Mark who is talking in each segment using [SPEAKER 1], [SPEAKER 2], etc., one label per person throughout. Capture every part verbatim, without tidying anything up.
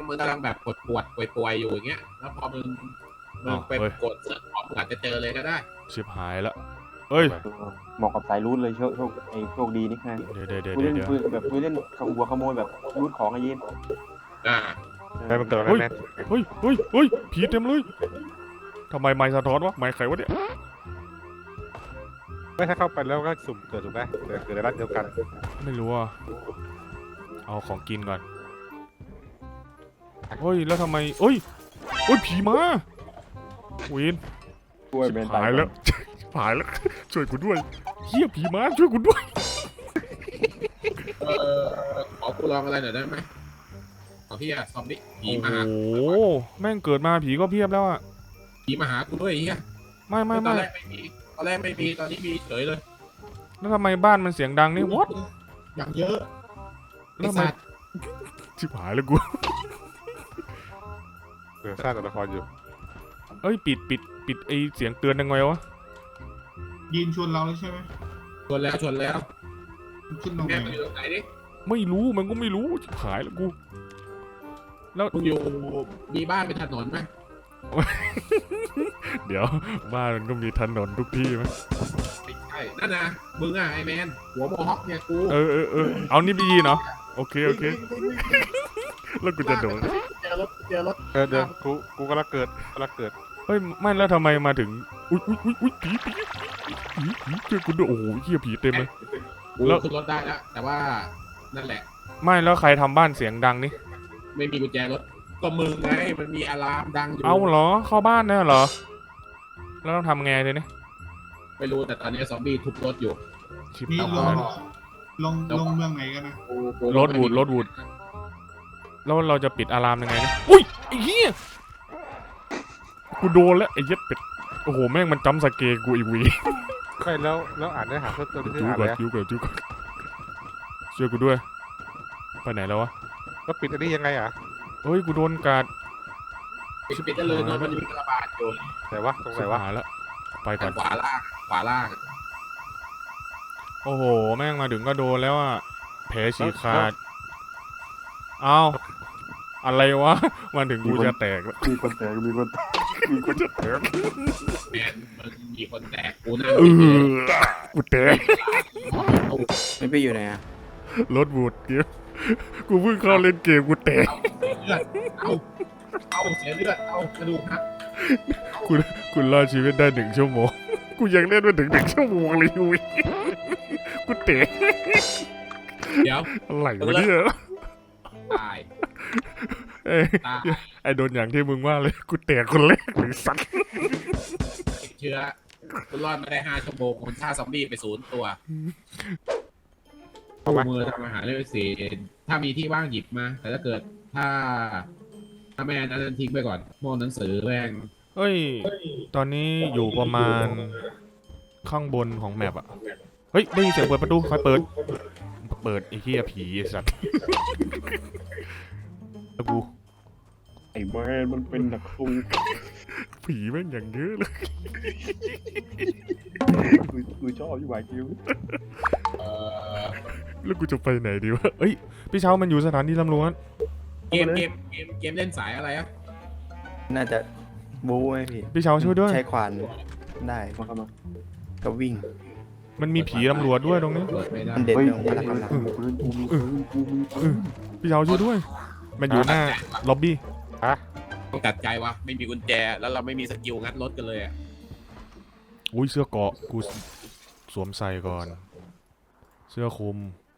[SPEAKER 1] มึงกำลังแบบปวดปวดป่วยป่วยอยู่อย่างเงี้ยแล้วพอมึงมึงไปกดเสิร์ชของอาจจะเจอเลยก็ได้
[SPEAKER 2] ชิบหายแล้วเอ้ย
[SPEAKER 3] เหมาะกับสายรูทเลยโชคโชคไอ้โชคดีนี่ค่ะ
[SPEAKER 2] เดี๋ยวเดี๋ยวเดี๋ยว
[SPEAKER 3] กูเล่น
[SPEAKER 2] เดี๋ยว
[SPEAKER 3] ปืนแบบกูเล่นขโมยขโมยแบบรูทของไอ้ยิน
[SPEAKER 1] อ่า
[SPEAKER 4] ได้มันเกิดอะไรแม่
[SPEAKER 2] เฮ้ยเฮ้ยเฮ้ยผีเต็มเลยทำไมไม้สะท้อนวะไม้ใครวะเนี่ย
[SPEAKER 4] ไม่ถ้าเข้าไปแล้วก็สุ่มเกิดถูกไหมเกิดเกิดในรัฐเดียวกัน
[SPEAKER 2] ไม่รู้อ่ะเอาของกินก่อนเฮ้ยแล้วทำไมเอ้ยเฮ้ยผีมาวิน
[SPEAKER 3] ช่วยเบน
[SPEAKER 2] หายแล้วหายแล้วช่วยกูด้วยเฮียผีมาช่วยกูด้วย
[SPEAKER 1] เออขอกูลองอะไรหน่อยได้ไหมขอพี่อะซอมบี้ผีมาหา
[SPEAKER 2] โอ้โหแม่งเกิดมาผีก็เพียบแล้วอ่ะ
[SPEAKER 1] ผีมาหากูด้วยเฮีย
[SPEAKER 2] ไม่ไม่
[SPEAKER 1] ตอ
[SPEAKER 2] ไม่
[SPEAKER 1] นแรกไม่มีตอนแรกไม่มีตอนนี้มีเฉยเลย
[SPEAKER 2] แล้วทำไมบ้านมันเสียงดังนี่วอท
[SPEAKER 1] อย่างเยอะ
[SPEAKER 2] แล้วทำไมชิบหายแล้วกู
[SPEAKER 4] เดี๋ยวสร้างตัวละครอยู่
[SPEAKER 2] เอ้ยปิดปิดปิดไอเสียงเตือนยังไงวะ
[SPEAKER 5] ยินชวนเราเลยใช่ไหม
[SPEAKER 1] ชวนแล้วชวนแล้ว
[SPEAKER 5] ขึ้นตรงไหน
[SPEAKER 1] แม่ไปอยู่ตรงไหนดิ
[SPEAKER 2] ไม่รู้มันก็ไม่รู้ชิบหายแล้วกูแล้ว
[SPEAKER 1] มึงอยู่มีบ้านเป็นถนนไหม
[SPEAKER 2] เดี๋ยวบ้านมันก็มีถนนทุกที่ไหม
[SPEAKER 1] ไม่ใช่นั่นนะมึงอะไอแมนหัวโมฮอคเนี่ยกู
[SPEAKER 2] เออเออเออเอานี่ไปยีนเหรอโอเคโอเคแล้วกูจะโดน
[SPEAKER 1] เจอรถเจอรถ
[SPEAKER 4] เออเดี๋ยวกูกูกำลังเกิดกำลังเกิด
[SPEAKER 2] เฮ้ยไม่แล้วทำไมมาถึงอุ้ยอุ้ยอุ้ยอุ้ยผีผีผีผีเจอกูด้วยโอ้โหเหี้ยผีเต็มเลย
[SPEAKER 1] แล้วขึ้นรถได้แล้วแต่ว่านั่นแหละ
[SPEAKER 2] ไม่แล้วใครทำบ้านเสียงดังนี่
[SPEAKER 1] ไม่มีกุญแจรถก็มึงไงมันมีอะลามดังอยู่
[SPEAKER 2] เอาเหรอเข้าบ้านเนี่ยเหรอแล้วต้องทำไงเลยเนี่ย
[SPEAKER 1] ไม่รู้แต่ตอนนี้ซอมบี้ทุบรถอยู่
[SPEAKER 5] นี่ลงลงลงเมืองไหนกันนะ
[SPEAKER 2] รถวูดรถวูดแล้วเราจะปิดอะลามยังไงเนี่ยอุ้ยไอ้เหี้ยกูโดนแล้วไอ้เย็ดเป็ดโอ้โหแม่งมันจัมป์สเกร์กูอีวี
[SPEAKER 4] ไม่แล้วแล้วอ่านเนื้อหาเพิ่มเติมที่อ่านแล้ว
[SPEAKER 2] จู้ก่อนจู้ก่อนช่วยกูด้วยไปไหนแล้ววะ
[SPEAKER 4] แล้วปิดอันนี้ยังไงอ่ะ
[SPEAKER 2] เฮ้ยกูโดนกัด
[SPEAKER 1] ปิดปิดได้เลยเนอะมันมีกระบาดอยู่
[SPEAKER 4] ไหนวะตรงไหนวะ
[SPEAKER 2] หายแล้วไปก่อน
[SPEAKER 1] ขวาล่างขวาล่าง
[SPEAKER 2] โอ้โหแม่งมาถึงก็โดนแล้วอ่ะแผลฉีกขาดเอ้าอะไรวะมาถึงกูจะแตกแล้ว
[SPEAKER 3] มีคนแตกมีคนแตกมีคนจะแตก
[SPEAKER 1] แมนมันมีคนแตกกูนั่ง
[SPEAKER 2] กูแตก
[SPEAKER 3] ไม่ไปอยู่ไหนอะ
[SPEAKER 2] รถบูดเกี้ยกูเพิ่งเข้าเล่นเกมกูแตก
[SPEAKER 1] เลือดเอาเอาเสียเลือดเอากระดูกหัก
[SPEAKER 2] คุณคุณรอดชีวิตได้หนึ่งชั่วโมงกูยังเล่นมาถึงหนึ่งชั่วโมงเลยยุ้ยกูแตก
[SPEAKER 1] เดี๋ยว
[SPEAKER 2] อะไรวะเนี่ย
[SPEAKER 1] ตาย
[SPEAKER 2] เอ้ยไอโดนอย่างที่มึงว่าเลยกูแตกคนแรกเลยสัตว์
[SPEAKER 1] ติดเชื้อคุณรอดมาได้ห้าชั่วโมงคนฆ่าซอมบี้ไปศูนย์ตัวเอามือทำอาหารเลยสิถ้ามีที่ว่างหยิบมาแต่ถ้าเกิดถ้าถ้าแม่นั้นทิ้งไปก่อนโม่หนังสือแม่ง
[SPEAKER 2] เฮ้ยตอนนี้อยู่ประมาณข้างบนของแมปอ่ะเฮ้ยได้ยินเสียงเปิดประตูใครเปิดเปิดไอ้เหี้ยผีไอ้สัตว์แล้วกู
[SPEAKER 3] ไอ้แมนมันเป็นนักสู้
[SPEAKER 2] ผีแม่งอย่างเยอะเลย
[SPEAKER 3] กูชอบอยู่หวายคิว
[SPEAKER 2] แล้วกูจะไปไหนดีวะเอ้ยพี่เช้ามันอยู่สถานีตำรวจ
[SPEAKER 1] เกมเกมเกมเกมเล่นสายอะไรอ่ะ
[SPEAKER 3] น่าจะบู๊ไหมพี่
[SPEAKER 2] พี่เช้าช่วยด้วย
[SPEAKER 3] ใช้ควานได้มาครับมาก็วิ่ง
[SPEAKER 2] มันมีผีตำรวจด้วยตรงนี้
[SPEAKER 3] มันเด็ดตรงพลังกำลัง
[SPEAKER 2] พี่เช้าช่วยด้วยมันอยู่หน้าล็อบบี้
[SPEAKER 4] ฮะ
[SPEAKER 1] ต้องตัดใจวะไม่มีกุญแจแล้วเราไม่มีสกิลงัดรถกันเลยอ่ะ
[SPEAKER 2] อุ้ยเสื้อเกราะกูสวมใส่ก่อนเสื้อคลุม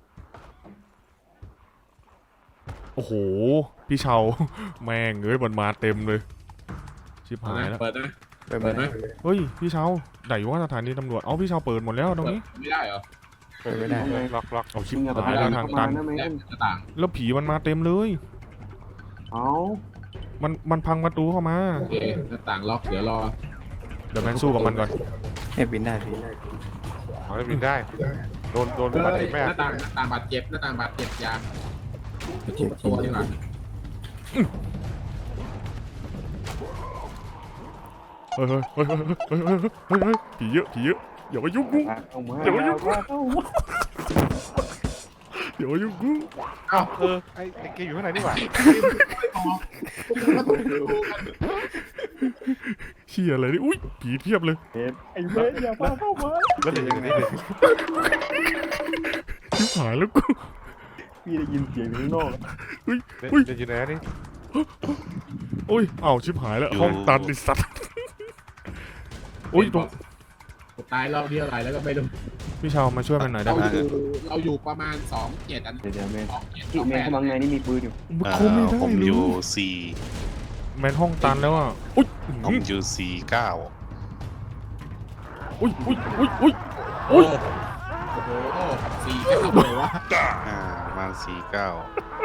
[SPEAKER 2] โอ้โหพี่เชาแม่งเอ้ยมันมาเต็มเลยชิบหายแล้ว
[SPEAKER 1] เปิดนะ
[SPEAKER 3] เปิดไหม
[SPEAKER 2] เฮ้ยพี่เชาไหนว่าสถานีตำรวจเอาพี่เชาเปิดหมดแล้วตรงนี้
[SPEAKER 1] ไม่ได้เหรอ
[SPEAKER 3] เปิดไม่ได้
[SPEAKER 4] ล็อกล็อก
[SPEAKER 2] เอาชิบหายแล้วทางตันแล้วผีมันมาเต็มเลย
[SPEAKER 3] เอา
[SPEAKER 2] มันมันพังประตูเข้ามา
[SPEAKER 1] โอเคหน้าต่างล็อกเดี๋ยวรอ
[SPEAKER 2] เดี๋ยวแมนสู้กับมันก่อน
[SPEAKER 3] ให้บินได้พี่
[SPEAKER 4] อ๋อบินได้โดนโดนบาดเจ็บไหม
[SPEAKER 1] หน้าต่างหน้าต่างบาดเจ็บหน้าต่างบาดเจ็บยาทุบตัวดีกว่า
[SPEAKER 2] เฮ้ยเฮ้ยเฮ้ยเฮ้ยเฮ้ยเฮ้ยผีเยอะผีเยอะอย่ามายุ่งกูอย่ามายุ่งกูเดี๋ยวอยู่กู
[SPEAKER 4] อ้าวเออไอ้ไอ้เกย์อยู่ข้างในนี่หว่า
[SPEAKER 2] เชี่ยอะไรนี่อุ้ยผีเพียบเลย
[SPEAKER 3] ไอ้เว้ยอย่าพาเข้ามา
[SPEAKER 4] แล้วเดี๋ยวอย่างนี้เลย
[SPEAKER 2] ชิบหายแล้วกู
[SPEAKER 3] พี่ได้ยินเสียงข้างนอก
[SPEAKER 2] อุ้ย
[SPEAKER 4] เดี๋ยว
[SPEAKER 2] อุ้ย
[SPEAKER 4] เดี๋ยวอยู่ไหนนี่
[SPEAKER 2] อุ้ยเอ้าชิบหายแล้วห้องตันไอ้สัตว์อุ้ยตรง
[SPEAKER 1] ตายรอบเดียวอะไรแล้วก็ไม่รู้
[SPEAKER 2] พี่ชาวมาช่วยมันหน่อยได้
[SPEAKER 1] เรา
[SPEAKER 2] ไหม
[SPEAKER 1] อยู่เราอยู่ประมาณสองเจ็ดอัน
[SPEAKER 3] เดี๋ยวเดี๋ยวแมน
[SPEAKER 1] สองเจ็ดส
[SPEAKER 3] ที่
[SPEAKER 1] อง
[SPEAKER 3] แม
[SPEAKER 1] แป
[SPEAKER 3] น
[SPEAKER 1] ด
[SPEAKER 3] เข้ามาข้างในนี่มีปืนอยู่
[SPEAKER 2] มัน
[SPEAKER 6] อ่า
[SPEAKER 2] เข้าไม่ได้
[SPEAKER 6] ผม
[SPEAKER 2] เล
[SPEAKER 6] อยู่
[SPEAKER 2] ย
[SPEAKER 6] สี่
[SPEAKER 2] แมนห้องตันแล้วอ่ะอุ้ย
[SPEAKER 6] ผมอยู่สี่เก้า
[SPEAKER 2] อุ้ยอุ้ยอุ้ยอุ้ยอุ้ย
[SPEAKER 1] โอ้โหสี่แค่ทำเลยวะ
[SPEAKER 6] อ่าประมาณสี่เก้า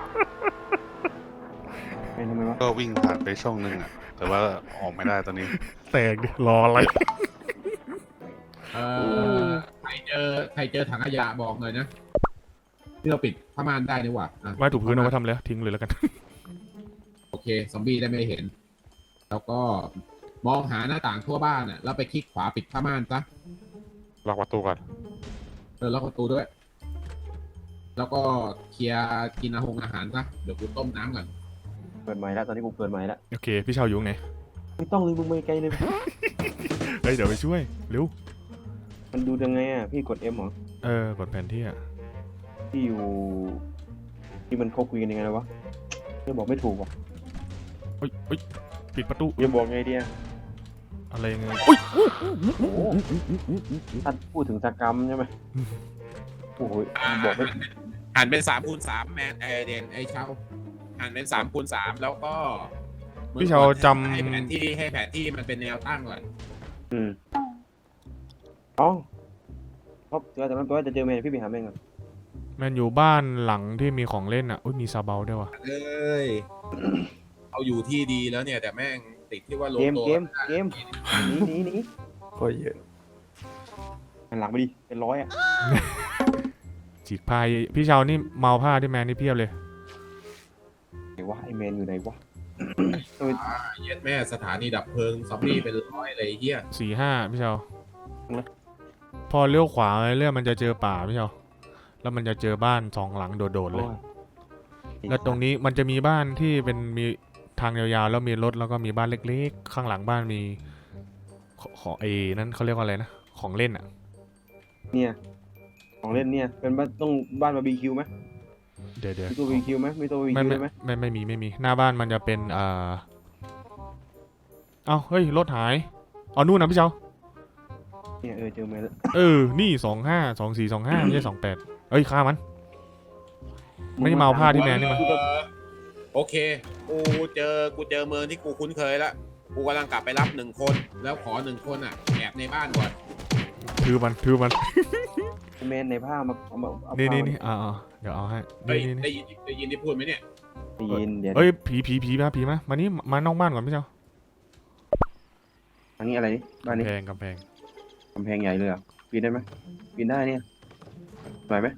[SPEAKER 3] แมนทำไมวะ
[SPEAKER 6] ก็วิ่งผ่านไปช่องหนึ่งอ่ะ แต่ว่าออกไม่ได้ตอนนี้
[SPEAKER 2] แตกดิรออะไร
[SPEAKER 1] เออใครเจอใครเจอถังขยะบอกหน่อยนะที่เราปิดผ้าม่านได้นี่หว่าอ่ะ
[SPEAKER 2] ไม้ถูกพื้นเอาไว้ทำเลยทิ้งเลยแล้วกัน
[SPEAKER 1] โอเคซอมบี้ได้ไม่เห็น แล้วก็มองหาหน้าต่างทั่วบ้านอ่ะแล้วไปคลิกขวาปิดผ้าม่านซะ
[SPEAKER 4] ล็อกประตูก่อน
[SPEAKER 1] เออล็อกประตูด้วย แล้วก็เคลียร์กินอาหงอาหารซะเดี๋ยวกูต้มน้ำก่อน
[SPEAKER 3] เปิดใหม่แล้วตอนนี้กูเปิดใหม่แล้ว
[SPEAKER 2] โอเคพี่ชาวอยู่ไหน
[SPEAKER 3] ไม่ต้องเลยมึงไม่ไกลเลย
[SPEAKER 2] เฮ้ยเดี๋ยวไปช่วยเร็ว
[SPEAKER 3] มันดูยังไงอ่ะพี่กด M เหรอ
[SPEAKER 2] เออกดแผนที่อ่ะ
[SPEAKER 3] ที่อยู่ที่มันเขาคุยกันยังไงนะวะจะบอกไม่ถูกว่ะ
[SPEAKER 2] เฮ้ยเฮ้ยปิดประตู
[SPEAKER 3] จะบอกไงดีอ่ะ
[SPEAKER 2] อะไรเงี้ยอุ้ย
[SPEAKER 3] โอ้โหถ้าพูดถึงสกรรมใช่ไหมโอ้โหบอกไม่
[SPEAKER 1] หันเป็นสามคูณสามแมนไอเดนไอเช่าหันเป็นสามคูณสามแล้วก็
[SPEAKER 2] พี่ชาวจ
[SPEAKER 1] ให้แผนที่ให้แผนที่มันเป็นแนวตั้งก่อน
[SPEAKER 3] อืมอ๋อเพราะแต่มันแปลว่าจะเจอแมนพี่ไปหาแมนก่อน
[SPEAKER 2] ำแมนอยู่บ้านหลังที่มีของเล่นอ่ะอุ้ยมีซาเบลด้วยว่ะ
[SPEAKER 1] เอ้ยเอาอยู่ที่ดีแล้วเนี่ยแต่แม่งติดที่ว่าโล
[SPEAKER 3] เกม
[SPEAKER 1] โต
[SPEAKER 3] เกมเกมหนีหนีหนี
[SPEAKER 7] ก็เยอะ
[SPEAKER 3] หันหลังไปดิเป็นร้อยอ่ะ
[SPEAKER 2] ฉีกพายพี่ชาวนี่เมาผ้าที่แมนนี่เพียบเลย
[SPEAKER 3] ไหนวะไอแมนอยู่ไหนวะ
[SPEAKER 1] เย็ดแม่สถานีดับเพลิงซอมบี้เป็นร้อยเลยเฮีย
[SPEAKER 2] สี่ห้าพี่ชาวพอเลี้ยวขวาไปเรื่อยมันจะเจอป่าพี่ชาวแล้วมันจะเจอบ้านสองหลังโดดๆเลย แล้วตรงนี้มันจะมีบ้านที่เป็นมีทางยาวๆแล้วมีรถแล้วก็มีบ้านเล็กๆ ข้างหลังบ้านมีขขอไอ้นั่นเขาเรียกว่าอะไรนะของเล่นอ่ะ
[SPEAKER 3] เนี่ยของเล่นเนี่ยเป็นบ้านต้องบ้านบาร์บีคิวไหม
[SPEAKER 2] เดี๋ยวเดี๋ยว
[SPEAKER 3] มีตัวบาร์บีคิวไหมมีตัวบาร์บี
[SPEAKER 2] ไม่
[SPEAKER 3] คิว
[SPEAKER 2] ไม่
[SPEAKER 3] ได้ไหม
[SPEAKER 2] ไม่ไม่มีไม่มีหน้าบ้านมันจะเป็นเอ่อเอ้าเฮ้ยรถหายเอานู่นนะพี่เจ้า
[SPEAKER 3] เนี่ยเออเจอแมนแล้ว
[SPEAKER 2] เออนี่สองห้าสองสี่สองห้าไม่ใช่สองแปดเอ้ยฆ่ามัน ไม่ได้เมาผ้าที่แมนนี่มัน
[SPEAKER 1] โอเคกูเจอกูเจอเมืองที่กูคุ้นเคยแล้วกูกำลังกลับไปรับหนึ่งคนแล้วขอหนึ่งคนอ่ะแอบในบ้านก่อน
[SPEAKER 2] ถือมันถือมัน
[SPEAKER 3] แมนในผ้ามาเอามาเอา
[SPEAKER 2] นี่
[SPEAKER 3] ผ้า
[SPEAKER 2] นี่
[SPEAKER 3] มา
[SPEAKER 2] นี่อ่าอ่าเดี๋ยวเอาให้
[SPEAKER 1] เฮ้ย
[SPEAKER 2] นี่นี่
[SPEAKER 1] ได้
[SPEAKER 2] นี่
[SPEAKER 1] ยินได้ยินที่พูดไหมเนี่ย
[SPEAKER 3] ได้ยินเดี๋ยว
[SPEAKER 2] เอ้ยผีผีผีมาผีมามานี่มานอกบ้านก่อนพี่เจ้า
[SPEAKER 3] อันนี้อะไรนี่บ้านนี้
[SPEAKER 2] กำแพงกำแพง
[SPEAKER 3] กำแพงใหญ่เลยเหรอ่ะปีนได้ไหมปีนได้เนี่ยไหวไหม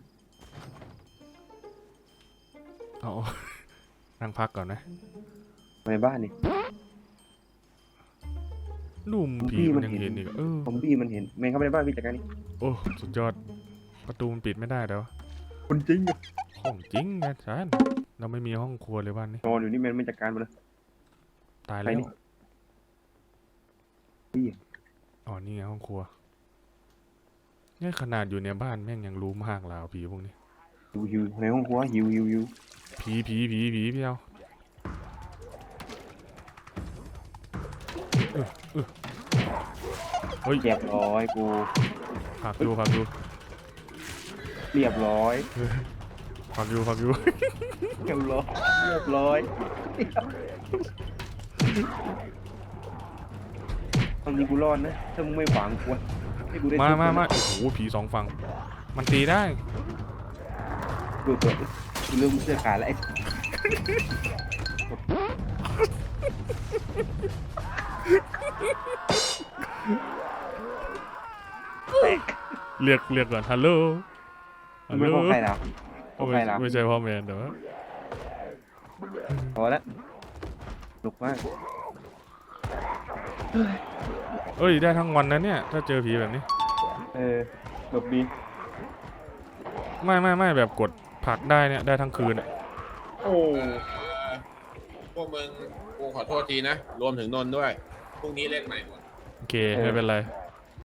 [SPEAKER 2] เอา นั่งพักก่อนนะ
[SPEAKER 3] ในบ้านนี่
[SPEAKER 2] ลุ่ม
[SPEAKER 3] ผม
[SPEAKER 2] ผี
[SPEAKER 3] พี่
[SPEAKER 2] มั
[SPEAKER 3] มัน น
[SPEAKER 2] ยัง
[SPEAKER 3] เห็น
[SPEAKER 2] เห็นอีกเออ
[SPEAKER 3] ผมพี่มันเห็นแมนเข้าไปในบ้านพี่จัดการนี่
[SPEAKER 2] โอ้สุดยอดประตูมันปิดไม่ได้เดี๋ยว
[SPEAKER 3] คนจริง
[SPEAKER 2] ห้องจริงนะชานเราไม่มีห้องครัวเลยบ้านนี้
[SPEAKER 3] นอนอยู่นี่แมนไม่จัดการมาเลย
[SPEAKER 2] ตาย
[SPEAKER 3] ไป
[SPEAKER 2] แล้ว
[SPEAKER 3] นี่พี่
[SPEAKER 2] อ๋อนี่ไงห้องครัวเนี่ยขนาดอยู่ในบ้านแม่งยังรู้มากแล้วผีพวกนี้
[SPEAKER 3] หิวหิวในห้องครัวหิวหิวหิว
[SPEAKER 2] ผีผีผีผีพี่เอาเออเออเฮ้ย
[SPEAKER 3] เรียบร้อยกู
[SPEAKER 2] พักดูพักดู
[SPEAKER 3] เรียบร้อย
[SPEAKER 2] พักดูพักดู
[SPEAKER 3] เรียบร้อยเรียบร้อยตอนนี้กูรอดนะถ้ามึงไม่ฝังกูให้กูได้
[SPEAKER 2] มา
[SPEAKER 3] ทุบ
[SPEAKER 2] มา
[SPEAKER 3] นะ
[SPEAKER 2] มาโอ้โหผีสองฝั่งมันตีได้
[SPEAKER 3] ดูตัวกูเริ่มเสื้อขาดแล้วไอ้
[SPEAKER 2] เรียกเรียกก่อนฮัลโหลฮัลโห
[SPEAKER 3] ไม่
[SPEAKER 2] ล
[SPEAKER 3] พอใครล่ะพอใครล่ะ
[SPEAKER 2] ไม่ใช่พ่อแมนแต่ว่า
[SPEAKER 3] พอแล้วหนุกมาก
[SPEAKER 2] เอ้ยได้ทั้งวันนะเนี่ยถ้าเจอผีแบบนี้
[SPEAKER 3] เออหลบดี
[SPEAKER 2] ไม่ไม่ไม่แบบกดผลักได้เนี่ยได้ทั้งคืนอะ
[SPEAKER 1] โอ้พวกมึงกูขอโทษทีนะ รวมถึงนนท์ด้วยพรุ่งนี้เล่นใหม่หมด
[SPEAKER 2] โอเคไม่เป็นไร
[SPEAKER 3] เ